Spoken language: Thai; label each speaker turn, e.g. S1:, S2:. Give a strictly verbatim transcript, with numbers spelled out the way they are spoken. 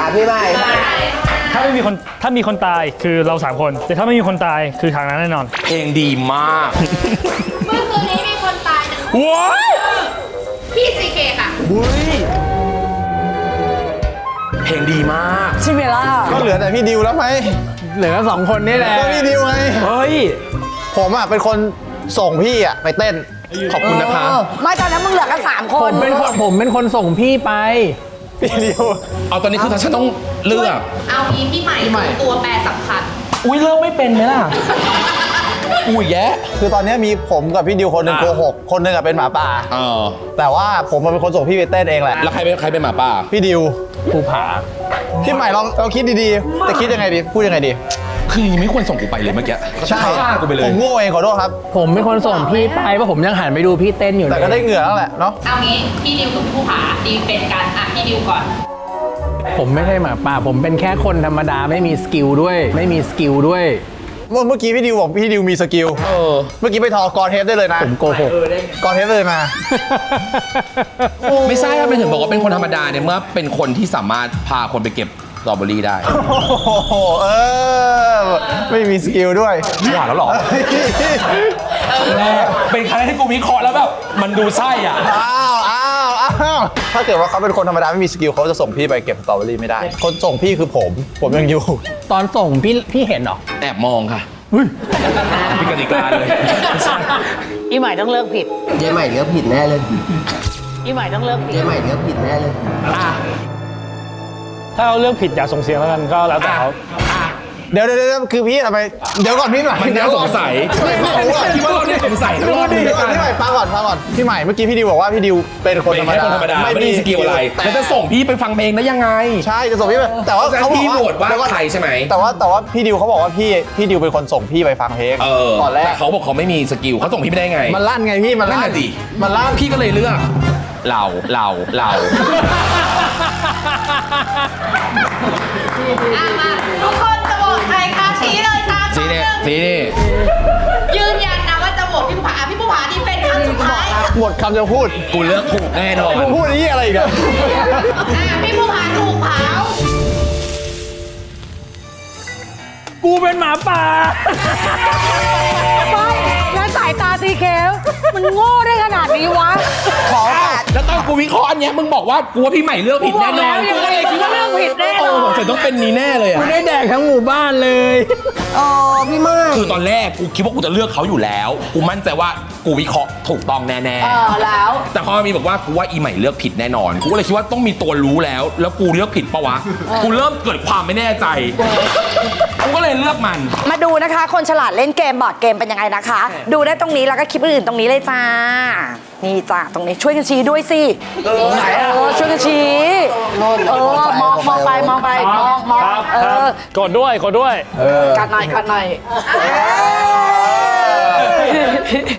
S1: พี่ใหม่
S2: ถ้าไม่มีคนถ้ามีคนตายคือเราสามคนแต่ถ้าไม่มีคนตายคือทางนั้นแน่นอน
S3: เพลงดีมาก
S4: เมื่อคืนนี้มีคนตายหนึ่ง
S3: ว้าย
S4: พี่ซีเคค่ะ
S3: อุ้ยเพลงดีมาก
S5: ใช่ไหมล่ะ
S1: ก็เหลือแต่พี่ดิวแล้วไหม
S5: เหลือสองคนนี่แหละ
S1: ก็พี่ดิวไง
S3: เฮ้ย
S1: ผมอ่ะเป็นคนส่งพี่อ่ะไปเต้น
S3: ขอบคุณนะคะ
S5: ไม่ตอนนั้นมึงเหลือกันสามคนผมเป็นคนผมเป็นคนส่งพี่ไป
S1: พี่ดิว
S3: เอาตอนนี้คือฉันต้องเลือก
S4: เอางี้พี่ใหม่คือตัวแปรสำคัญ
S3: อุ้ยเลือกไม่เป็นไหมล่ะ อุ้ยแยะ
S1: คือตอนนี้มีผมกับพี่ดิวคนหนึ่งโกหกคนหนึ่งอ่ะเป็นหมาป่า
S3: เออ
S1: แต่ว่าผมเป็นคนส่งพี่ไปเต้นเองแหละ
S3: แล้วใครเป็นใครเป็นหมาป่า
S1: พี่ดิว
S5: ภูผา
S1: พี่ใหม่ลองลองคิดดีๆจะคิดยังไงดีพูดยังไงดี
S3: คือยังไม่ควรส่งกูไปเลยเมื่อกี้
S1: ใช่
S3: ฆ่ากูไปเลย
S1: ผมโง่เองขอโทษครับ
S5: ผมเป็นคนส่งพี่ไปเพราะผมยังหันไปดูพี่เต้นอยู่เลย
S1: แต่ก็ได้เหงื่อแล้วแหละเนาะ
S4: เอางี้พี่ดิวกับผู้ผาดีเป็นกันอ่ะพี่ดิวก่อน
S5: ผมไม่ใช่หมาป่าผมเป็นแค่คนธรรมดาไม่มีสกิลด้วย ไม่มีสกิลด้วย
S1: เมื่อเมื่อกี้พี่ดิวบอกพี่ดิวมีสกิล
S3: เออ
S1: เมื่อกี้ไปทอกรเทปได้เลยนะ
S5: ผมโกหก
S1: กรเทปได้เลยมา
S3: ไม่ใช่ครับเป็นถึงบอกว่าเป็นคนธรรมดาเนี่ยเมื่อเป็นคนที่สามารถพาคนไปเก็บสตรอเบอรี่ได้
S1: โอ้โหเออไม่มีสกิลด้วย
S3: หวานแล้วหรอแรกเป็นครั้งแรกที่กูวิเคราะห์แล้วแบบมันดูไส้อ่ะ
S1: อ้าวอ้าวอ้าวถ้าเกิดว่าเขาเป็นคนธรรมดาไม่มีสกิลเขาจะส่งพี่ไปเก็บสตรอเบอรี่ไม่ได้ คนส่งพี่คือผม ผมยังอยู่
S5: ตอนส่งพี่พี่เห็นเหรอ
S3: แอบมองค่ะมีกติกาเลย
S6: อีใหม่ต้องเลิกผิด
S7: เจ๊ใหม่เลือกผิดแน่เลย
S6: อีใหม่ต้องเลิกผิด
S7: เจ๊ใหม่เลือกผิดแน่เลย
S2: ถ้าเราเลือกผิดอย่าส่งเสียงแล้วกันก็แล้วแต่เขา
S1: เดี๋ยวเดี๋ยวเดี๋ยวคือพี่ทำไมเดี๋ยวก่อนพี่ใหม่
S3: มันน่าสงสัย
S1: ไม่ไม่ไม่
S3: คิดว่าเราเนี่ยสงสัยตลอด
S1: เดี๋ยวก่อนพี่ใหม่ฟังก่อนฟังก่อนพี่ใหม่เมื่อกี้พี่ดิวบอกว่าพี่ดิวเป็นคน
S3: เป็น
S1: ธรรม
S3: แค่
S1: ดา
S3: คนธรรมดาไม่มีสกิลอะไรแล้วจะส่งพี่ไปฟังเพลงได้ยังไง
S1: ใช่จะส่งพี่ไปแต่ว่าเขาบอก
S3: พี่
S1: ว่า
S3: โหวตว่าใครใช่ไหม
S1: แต่ว่าแต่ว่าพี่ดิวเขาบอกว่าพี่พี่ดิวเป็นคนส่งพี่ไปฟังเพลง
S3: เออ
S1: ก่อนแร
S3: แต่
S1: ก
S3: เขาบอกเขาไม่มีสกิลเขาส่งพี่ไปได้ไง
S1: มันลั่นไงพี่มันลั่น
S3: นั่นน่ะดิ
S1: มันลั่น
S3: พี่ก็เลยเลือก เราเราเรา
S4: อ่ะมาทุกคนจะโหวตใครคะชี้เลยสามส
S3: สี
S4: องห
S3: นี่
S4: นึ่ง
S3: สีนี่
S4: ยืนยันนะว่าจะโหวตพี่ผู้ผาอ่ะพี่ผู้ผาดีเป็นครั้งสุดท้ายอ่ะ
S1: หมดคำจะพูด
S3: กูเลือกถูกแน่นอน
S1: มึงพูดไอ้ยี่อะไรอีกอะ
S4: พี่ผู้ผาถูกเผา
S5: กูเป็นหมาป่า
S6: ไม่แล้วสายตาตีเคฟมันโง่ได้ขนาดนี้วะ
S1: ขอ
S3: แล้วตอนกูวิเคราะห์อันเนี้ยมึงบอกว่ากูว่าพี่ใหม่เลือกผิดแน่นอน
S6: กู
S3: กู
S6: บอกแล้ว
S3: ก็เลยคิดว่า
S6: เลือกผิดแน่นอน
S3: โอ้ผมจะต้องเป็นนี้แน่เลยอะ
S5: กูได้แดกทั้งหมู่บ้านเลย
S7: อ๋อ พี่มาก
S3: คือตอนแรกกูคิดว่ากูจะเลือกเขาอยู่แล้ว กูมั่นใจว่ากูวิเคราะห์ถูกต้องแน่
S4: เออแล้ว
S3: ๆแต่พอมีบอกว่ากูว่าอีใหม่เลือกผิดแน่นอน กูก็เลยคิดว่าต้องมีตัวรู้แล้ว แล้วกูเลือกผิดปะวะ กูเริ่มเกิดความไม่แน่ใจ กูก็เลยเลือกมัน
S8: มาดูนะคะ คนฉลาดเล่นเกมบอร์ดเกมเป็นยังไงนะคะ ดูได้ตรงนี้แล้วก็คลิปอื่นๆตรงนี้เลยจ้า นี่จ้าตรงนี้ช่วยกันชี้ด้วยสิเออช่วยกันชี้เออมองมองไปมองไปมองมองเออก
S2: ดด้วยกดด้วย
S8: กัดหน่อยกัดหน่อย